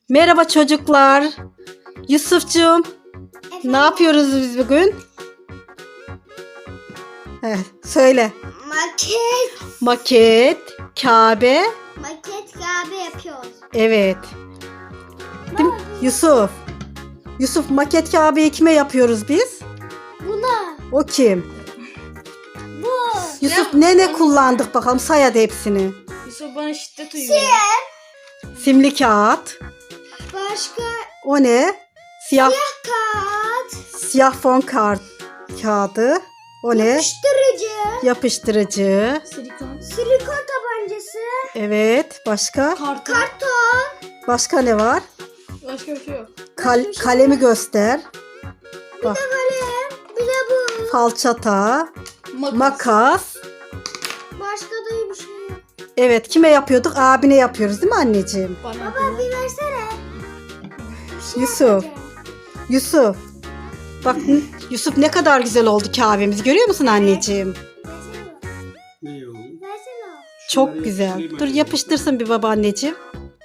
Merhaba çocuklar. Yusufcuğum, ne yapıyoruz biz bugün? Söyle. Maket, Kabe. Maket Kabe yapıyoruz. Evet. Değil mi? Yusuf, maket Kabe'yi kime yapıyoruz biz? Buna. O kim? Bu. Yusuf ne kullandık bakalım, say hadi hepsini. Yusuf bana şiddet uyuyor. Simli kağıt. Başka O ne? Siyah kağıt. fon kağıdı. O ne? Yapıştırıcı. Silikon. Silikon tabancası. Evet. Başka? Karton. Karton. Başka ne var? Başka bir şey yok. Kalemi göster. Bak. Kalem. Bir de bu. Falçata. Makas. Başka da bir şey yok. Evet. Kime yapıyorduk? Abine yapıyoruz değil mi anneciğim? Bana Baba bir versene. Bir şey Yusuf. yapacağım. Yusuf. Bak Yusuf ne kadar güzel oldu kahvemiz. Görüyor musun anneciğim? Versene. Ne oldu? Versene. Çok Şunları güzel. yapıştırayım Dur ben. yapıştırsın bir babaanneciğim.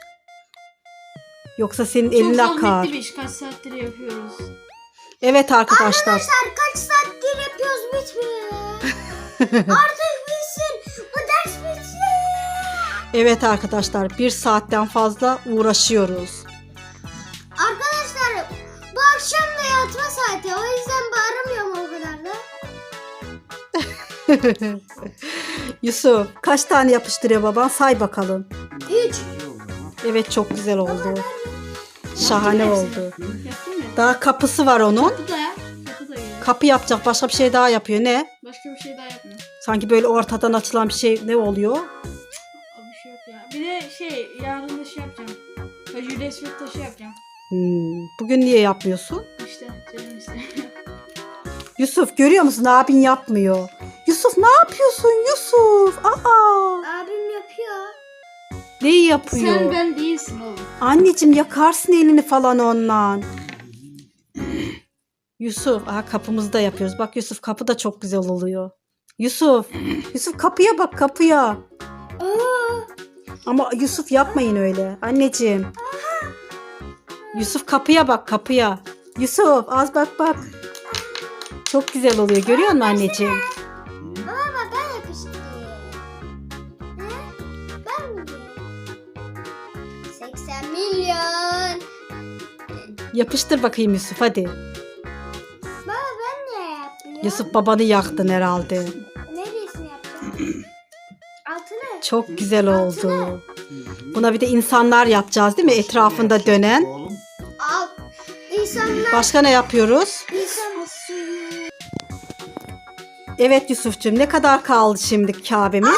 Yoksa senin Çok elin akar. zahmetli bir iş. Kaç saattir yapıyoruz. Evet arkadaşlar. Arkadaşlar kaç saattir yapıyoruz bitmiyor. Artık bitsin. Bu ders bitsin. Evet arkadaşlar. 1 saatten fazla uğraşıyoruz. Arkadaşlar bu akşam da yatma saati. O yüzden bağıramıyorum o kadar da. Yusuf kaç tane yapıştırıyor baban? Say bakalım. 3. İyi oldu ama. Evet çok güzel oldu. Şahane Yaptın oldu. Yaptın mı? Daha kapısı var onun. Kapı da yap. Kapı da yap. Kapı yapacak, başka bir şey daha yapıyor. Ne? Başka bir şey daha yapma. Sanki böyle ortadan açılan bir şey ne oluyor? Abi bir şey yok ya. Bir de yarın da şey yapacağım. Hacı resmet taşı yapacağım. Bugün niye yapmıyorsun? İşte canım işte. Yusuf görüyor musun? Abin yapmıyor. Yusuf ne yapıyorsun Yusuf? Aa, Abim yapıyor. neyi yapıyor? Sen ben değilsin oğlum. Anneciğim yakarsın elini falan ondan. Yusuf, kapımızda yapıyoruz. Bak Yusuf kapı da çok güzel oluyor. Yusuf kapıya bak kapıya. Aa, Ama Yusuf yapmayın öyle. Anneciğim. Yusuf kapıya bak kapıya. Yusuf az bak. Çok güzel oluyor. Görüyor musun anneciğim? baba ben yapıştırayım. He? Ben mi diyeyim? 80 milyon. Yapıştır bakayım Yusuf hadi. Baba ben ne yapıyorum? Yusuf babanı yaktın herhalde. Neresini yapacağım? Altını. Çok güzel oldu. Buna bir de insanlar yapacağız değil mi? Etrafında dönen. Oğlum, Al. İnsanlar. Başka ne yapıyoruz? İnsan. Evet Yusuf'cum ne kadar kaldı şimdi Kabe'miz?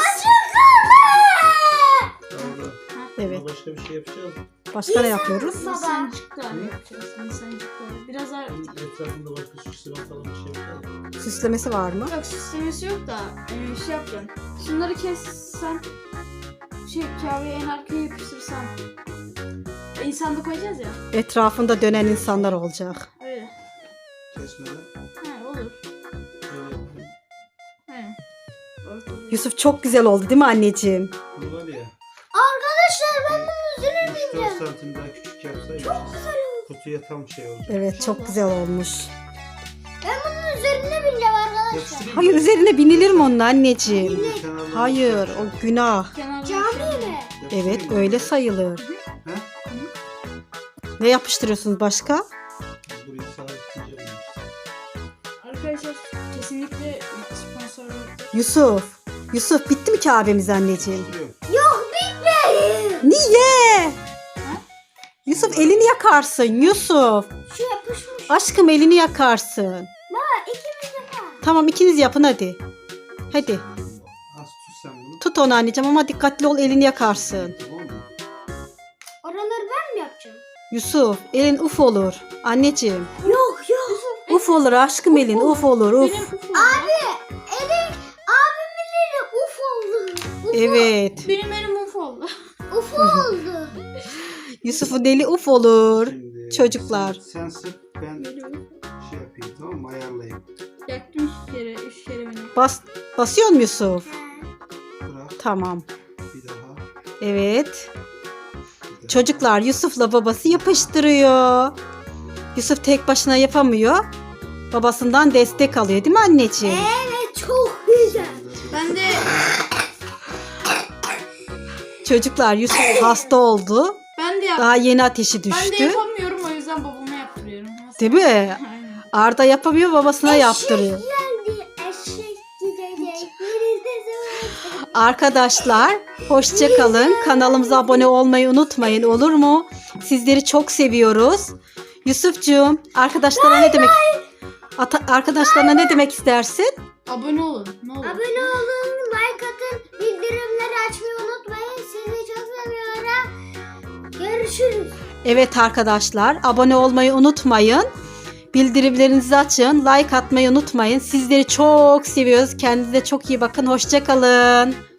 orada. Evet. Ama başka bir şey yapacağız. Başka ne yapıyoruz? Baba. İnsancıklar yapacağız. İnsancıklar. Biraz daha... Etrafında başka süsleme falan bir şey yapacağız. Süslemesi var mı? Yok süslemesi yok da şey yapacağım. Şunları kessen kahveyi en arkaya yapıştırsam. İnsan da koyacağız ya. Etrafında dönen insanlar olacak. Öyle. Kesmeden He olur. şöyle yapalım. He. Ortada. Yusuf çok güzel oldu değil mi anneciğim? Bu var ya. Arkadaşlar ben bunun üzerine 3-4 bineceğim. santim daha küçük yapsaydık. Kutuya tam şey olacak. Evet çok güzel olmuş. Ben bunun üzerine bineceğim arkadaşlar. Yapıştırayım Hayır mı? üzerine binilir mi onun anneciğim? Bunun kenarlarına Hayır yapacağım. o günah. Kenarına Cami şey- mi? Yapıştırayım Evet mı? öyle sayılır. He? Ne yapıştırıyorsunuz başka? Burayı sabitleyeceğim. Arkadaşlar kesinlikle sponsor yok. Yusuf bitti mi Kabe'miz anneciğim? Yok. Yok bitmedi. Niye? Yusuf elini yakarsın Yusuf. Şu yapışmış. Aşkım elini yakarsın. Baba ikimiz yapalım. Tamam ikiniz yapın hadi. Hadi Az tut sen bunu. tut onu anneciğim ama dikkatli ol elini yakarsın. Tamam mı? Oraları ben mi yapacağım? Yusuf elin uf olur. Anneciğim Yok. uf olur aşkım elin uf olur uf. Benim ufum. Abimin eli uf oldu. Evet Benim elim uf oldu. Uf oldu. Yusuf'un eli uf olur. Şimdi Çocuklar. Sen sık ben şey yapayım tamam mı? Ayarlayayım. Yaktım 3 kere beni. Basıyor mu Yusuf? Bırak Tamam. bir daha. Evet. Bir daha. Çocuklar Yusuf'la babası yapıştırıyor. Yusuf tek başına yapamıyor. Babasından destek alıyor değil mi anneciğim? Evet çok güzel. Ben de Çocuklar Yusuf hasta oldu. yap. Daha yeni ateşi Ben de düştü. yapamıyorum, o yüzden babama yaptırıyorum. Nasıl? Değil mi? Aynen. Arda yapamıyor, babasına yaptırıyor. Geldi eşek gidecek. Arkadaşlar hoşça kalın. Kanalımıza abone olmayı unutmayın, olur mu? Sizleri çok seviyoruz. Yusufcuğum, arkadaşlarına ne demek arkadaşlarına ne demek istersin? Abone olun. Ne olur. Abone olun, like atın, bildirimleri açmayı unutmayın. Sizi çok seviyorum. Görüşürüz. Evet arkadaşlar, abone olmayı unutmayın. Bildirimlerinizi açın, like atmayı unutmayın. Sizleri çok seviyoruz. Kendinize çok iyi bakın. Hoşça kalın.